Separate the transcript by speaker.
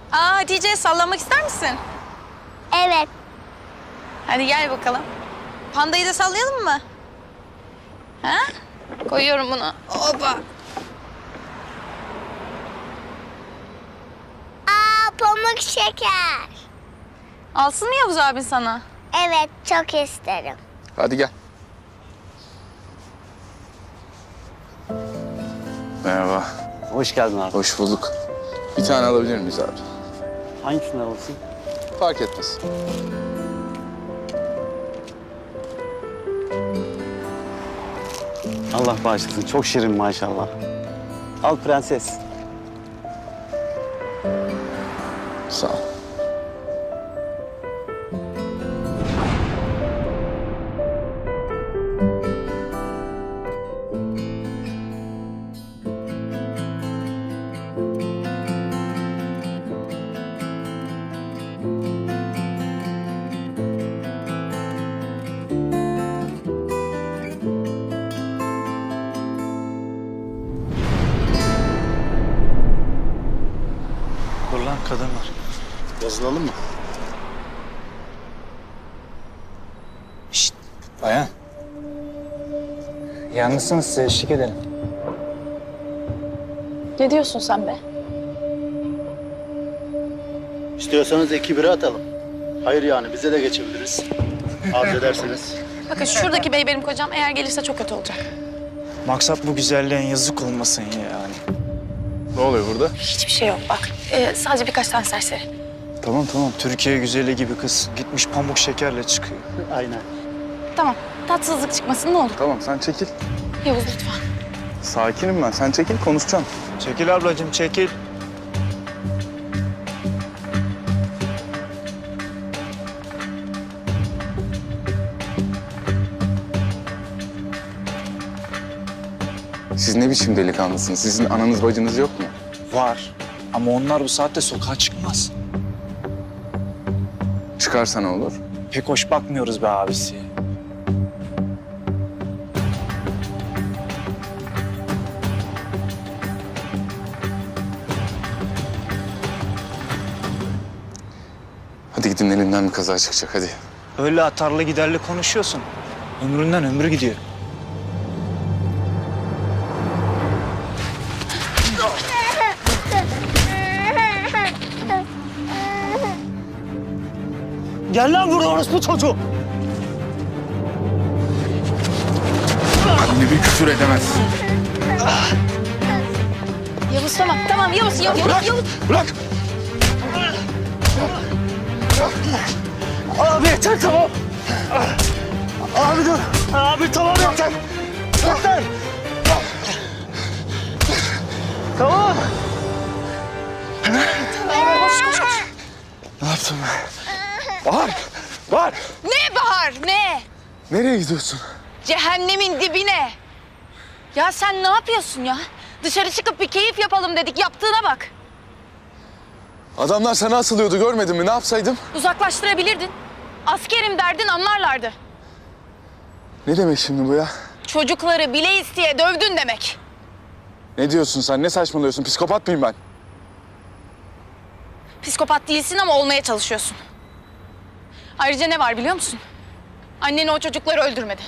Speaker 1: Hatice, sallanmak ister misin?
Speaker 2: Evet.
Speaker 1: Hadi gel bakalım. Pandayı da sallayalım mı? Ha? Koyuyorum bunu. Hoppa.
Speaker 2: Pamuk şeker.
Speaker 1: Alsın mı Yavuz abin sana?
Speaker 2: Evet, çok isterim.
Speaker 3: Hadi gel. Merhaba.
Speaker 4: Hoş geldin abi.
Speaker 3: Hoş bulduk. Bir tane alabilir miyiz abi?
Speaker 4: Hangisini alırsın?
Speaker 3: Fark etmez.
Speaker 4: Allah bağışlasın. Çok şirin maşallah. Al prenses.
Speaker 3: Sağ ol.
Speaker 5: Dur lan, kadın var.
Speaker 3: Yazılalım mı?
Speaker 5: Şşt, bayan. Yalnızsınız, size eşlik edelim.
Speaker 1: Ne diyorsun sen be?
Speaker 6: İstiyorsanız 2-1'e atalım. Hayır yani bize de geçebiliriz. Arzu ederseniz.
Speaker 1: Bakın şuradaki bey benim kocam. Eğer gelirse çok kötü olacak.
Speaker 5: Maksat bu güzelliğin yazık olmasın yani.
Speaker 3: Ne oluyor burada?
Speaker 1: Hiçbir şey yok bak. Sadece birkaç tane serseri.
Speaker 5: Tamam tamam, Türkiye güzeli gibi kız. Gitmiş pamuk şekerle çıkıyor.
Speaker 6: Aynen.
Speaker 1: Tamam. Tatsızlık çıkmasın ne olur.
Speaker 3: Tamam sen çekil.
Speaker 1: Yavuz lütfen.
Speaker 3: Sakinim ben. Sen çekil konuşacağım.
Speaker 5: Çekil ablacığım, çekil.
Speaker 3: Siz ne biçim delikanlısınız? Sizin ananız bacınız yok mu?
Speaker 5: Var. Ama onlar bu saatte sokağa çıkmaz.
Speaker 3: Çıkarsa ne olur?
Speaker 5: Pek hoş bakmıyoruz be abisi.
Speaker 3: Hadi gidin elinden bir kaza çıkacak hadi.
Speaker 5: Öyle atarlı giderli konuşuyorsun. Ömründen ömrü gidiyor. Gel lan buraya, orospu çocuğu.
Speaker 3: Anne bir küfür edemez.
Speaker 1: Yavuz tamam. Tamam Yavuz. Yavuz.
Speaker 3: Bırak!
Speaker 5: Abi yeter, tamam. Abi dur. Abi tamam, yeter. Yeter. Tamam.
Speaker 1: Koş.
Speaker 3: Ne yaptın be? Bahar! Bahar!
Speaker 1: Ne Bahar ne?
Speaker 3: Nereye gidiyorsun?
Speaker 1: Cehennemin dibine. Ya sen ne yapıyorsun ya? Dışarı çıkıp bir keyif yapalım dedik. Yaptığına bak.
Speaker 3: Adamlar sana asılıyordu görmedin mi? Ne yapsaydım?
Speaker 1: Uzaklaştırabilirdin. Askerim derdin anlarlardı.
Speaker 3: Ne demek şimdi bu ya?
Speaker 1: Çocukları bile isteye dövdün demek.
Speaker 3: Ne diyorsun sen? Ne saçmalıyorsun? Psikopat mıyım ben?
Speaker 1: Psikopat değilsin ama olmaya çalışıyorsun. Ayrıca ne var biliyor musun? Anneni o çocukları öldürmedi.